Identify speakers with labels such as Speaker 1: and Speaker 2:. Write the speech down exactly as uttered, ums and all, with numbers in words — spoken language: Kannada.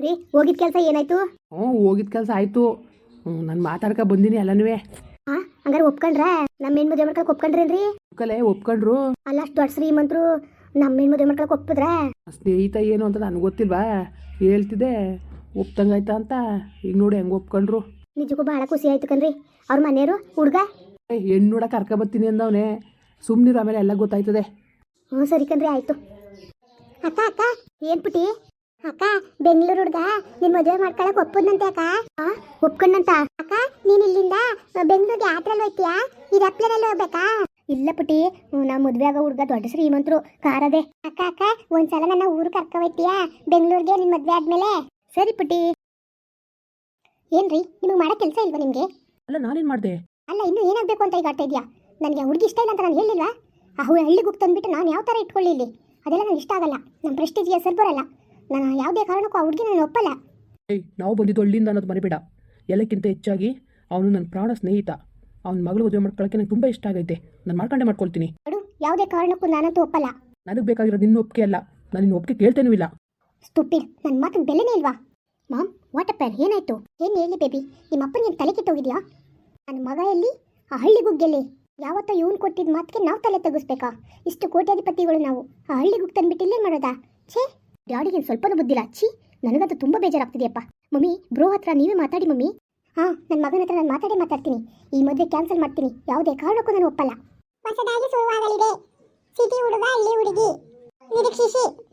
Speaker 1: ರೀ ಹೋಗಿದ್ ಕೆಲಸ ಏನಾಯ್ತು?
Speaker 2: ಹ್ಞೂ ಹೋಗಿದ್ ಕೆಲಸ ಆಯಿತು. ಹ್ಞೂ ನಾನು ಮಾತಾಡ್ಕೊ ಬಂದೀನಿ ಎಲ್ಲನೂ.
Speaker 1: ಹಾಂ ಹಂಗಾರೆ ಒಪ್ಕೊಂಡ್ರ? ನಮ್ಮ ಹೆಣ್ಣು ಮದುವೆ ಮಾಡ್ಕೊಳಕ್ಕೆ ಒಪ್ಕೊಂಡ್ರೇನ್ರಿ?
Speaker 2: ಒಪ್ಕಲೆ ಒಪ್ಕೊಂಡ್ರು.
Speaker 1: ಅಲ್ಲ ಅಷ್ಟು ದೊಡ್ಡ ಶ್ರೀಮಂತರು ನಮ್ಮ ಹೆಣ್ಣು ಮದುವೆ ಮಾಡ್ಕೊಳಕ್ಕೆ ಒಪ್ಪಿದ್ರ?
Speaker 2: ಸ್ನೇಹಿತ ಏನು ಅಂತ ನನಗೆ ಗೊತ್ತಿಲ್ವಾ, ಹೇಳ್ತಿದ್ದೆ ಒಪ್ತಂಗಾಯ್ತಾ ಅಂತ. ಈಗ ನೋಡಿ ಹೆಂಗೆ ಒಪ್ಕೊಂಡ್ರು.
Speaker 1: ನಿಜಕ್ಕೂ ಭಾಳ ಖುಷಿ ಆಯ್ತು ಕಣ್ರಿ. ಅವ್ರ ಮನೆಯವರು ಹುಡುಗ
Speaker 2: ಹೆಣ್ಣು ನೋಡ ಕರ್ಕೊ ಬರ್ತೀನಿ ಅಂದವನೇ. ಸುಮ್ಮನಿರು, ಆಮೇಲೆ ಎಲ್ಲ ಗೊತ್ತಾಯ್ತದೆ.
Speaker 1: ಹ್ಞೂ ಸರಿ ಕಣ್ರಿ ಆಯಿತು. ಅಕ್ಕ ಅಕ್ಕ ಏನು ಪುಟಿ? ಅಕ್ಕ ಬೆಂಗಳೂರು ಹುಡುಗ ನಿನ್ನ ಮದುವೆ ಮಾಡ್ಕೊಳಕ್ಕೆ ಒಪ್ಪದಂತೆ ಅಕ್ಕ. ಹಾಂ ಒಪ್ಕೊಂಡಂತ ಅಕ್ಕ. ನೀನು ಇಲ್ಲಿಂದ ಬೆಂಗಳೂರಿಗೆ ಯಾತ್ರೆಯಲ್ಲಿ ಹೋಗ್ತೀಯಾ? ಈ ರಪ್ಲರಲ್ಲಿ ಹೋಗ್ಬೇಕಾ? ಇಲ್ಲ ಪುಟಿ, ನಾವು ಮದುವೆ ಆಗೋ ಹುಡುಗ ದೊಡ್ಡ ಶ್ರೀಮಂತರು, ಕಾರದೆ. ಅಕ್ಕ ಅಕ್ಕ ಒಂದ್ಸಲ ನನ್ನ ಊರು ಕರ್ಕೊ ಹೋಗ್ತೀಯಾ ಬೆಂಗಳೂರಿಗೆ ನಿನ್ನ ಮದುವೆ ಆದ್ಮೇಲೆ? ಸರಿ ಪುಟಿ. ಏನ್ರಿ ನಿಮಗೆ ಮಾಡೋ ಕೆಲಸ ಇಲ್ವಾ ನಿಮಗೆ?
Speaker 2: ಅಲ್ಲ ನಾನೇನು ಮಾಡಿದೆ?
Speaker 1: ಅಲ್ಲ ಇನ್ನೂ ಏನಾಗಬೇಕು ಅಂತ ಈಗ ಆಡ್ತಾ ಇದೆಯಾ? ನನಗೆ ಹುಡುಗಿ ಇಷ್ಟ ಇಲ್ಲ ಅಂತ ನಾನು ಹೇಳಿಲ್ವಾ? ಆ ಹು ಹಳ್ಳಿಗೆ ಹೋಗಿ ತಂದುಬಿಟ್ಟು ನಾನು ಯಾವ ಥರ ಇಟ್ಕೊಳ್ಳಿ ಇಲ್ಲಿ? ಅದೆಲ್ಲ ನನಗೆ ಇಷ್ಟ ಆಗಲ್ಲ. ನಮ್ಮ ಪ್ರೆಸ್ಟೀಜ್ಗೆ ಹೆಸರು ಬರಲ್ಲ. ನಾನು ಯಾವುದೇ ಕಾರಣಕ್ಕೂ ಆ ಹುಡುಗಿ ನಾನು ಒಪ್ಪಲ್ಲ.
Speaker 2: ಏಯ್, ನಾವು ಬಂದಿದ್ದು ಹಳ್ಳಿಯಿಂದ ಅನ್ನೋದು ಮರಿಬೇಡ. ಎಲ್ಲಕ್ಕಿಂತ ಹೆಚ್ಚಾಗಿ ಅವನು ನನ್ನ ಪ್ರಾಣ ಸ್ನೇಹಿತ. ಅವನ ಮಗಳು ಮದುವೆ ಮಾಡ್ಕೊಳ್ಳೋಕ್ಕೆ ನಂಗೆ ತುಂಬ ಇಷ್ಟ ಆಗೈತೆ. ನಾನು ಮಾಡ್ಕೊಂಡೆ ಮಾಡ್ಕೊಳ್ತೀನಿ.
Speaker 1: ನೋಡು, ಯಾವುದೇ ಕಾರಣಕ್ಕೂ ನಾನಂತೂ ಒಪ್ಪಲ್ಲ.
Speaker 2: ನನಗೆ ಬೇಕಾಗಿರೋದು ನಿನ್ನ ಒಪ್ಪಿಗೆ ಅಲ್ಲ. ನಾನು ನಿನ್ನ ಒಪ್ಪಿಗೆ ಕೇಳ್ತೇನೂ ಇಲ್ಲ.
Speaker 1: ಸ್ಟುಪಿಡ್, ನನ್ನ ಮಾತಿನ ಬೆಲೆನೇ ಇಲ್ವಾ? ಮಾಮ್ ವಾಟ್ ಅಪ್ಪ, ಏನಾಯ್ತು? ಏನು ಹೇಳಿ ಬೇಬಿ, ನಿಮ್ಮ ಅಪ್ಪನಿಗೆ ತಲೆ ಕೆಟ್ಟೋಗಿದ್ಯಾ? ನನ್ನ ಮಗ ಎಲ್ಲಿ? ಆ ಹಳ್ಳಿ ಗುಗ್ಗೆಲ್ಲಿ? ಯಾವತ್ತೋ ಇವನು ಕೊಟ್ಟಿದ್ದ ಮಾತಿಗೆ ನಾವು ತಲೆ ತೆಗಿಸ್ಬೇಕಾ? ಇಷ್ಟು ಕೋಟ್ಯಾಧಿಪತಿಗಳು ನಾವು. ಆ ಹಳ್ಳಿ ಗುಗ್ ತಂದ್ಬಿಟ್ಟು ಇಲ್ಲೇನು ಮಾಡೋದಾ? ಛೇ, ಡ್ಯಾಡಿಗೆ ಸ್ವಲ್ಪನೂ ಬುದ್ಧಿಲ್ಲ. ಛೀ, ನನಗಂತೂ ತುಂಬ ಬೇಜಾರಾಗ್ತಿದೆಯಪ್ಪ. ಮಮ್ಮಿ, ಬ್ರೋ ಹತ್ರ ನೀವೇ ಮಾತಾಡಿ ಮಮ್ಮಿ. ಹಾಂ, ನನ್ನ ಮಗನ ಹತ್ರ ನಾನು ಮಾತಾಡೇ ಮಾತಾಡ್ತೀನಿ. ಈ ಮದುವೆ ಕ್ಯಾನ್ಸಲ್ ಮಾಡ್ತೀನಿ. ಯಾವುದೇ ಕಾರಣಕ್ಕೂ ನಾನು ಒಪ್ಪಲ್ಲ. ಹೊಸದಾಗಿ ಶುರುವಾಗಲಿದೆ ಸಿಟಿ ಹುಡುಗ ಹಳ್ಳಿ ಹುಡುಗಿ. ನಿರೀಕ್ಷಿಸಿ.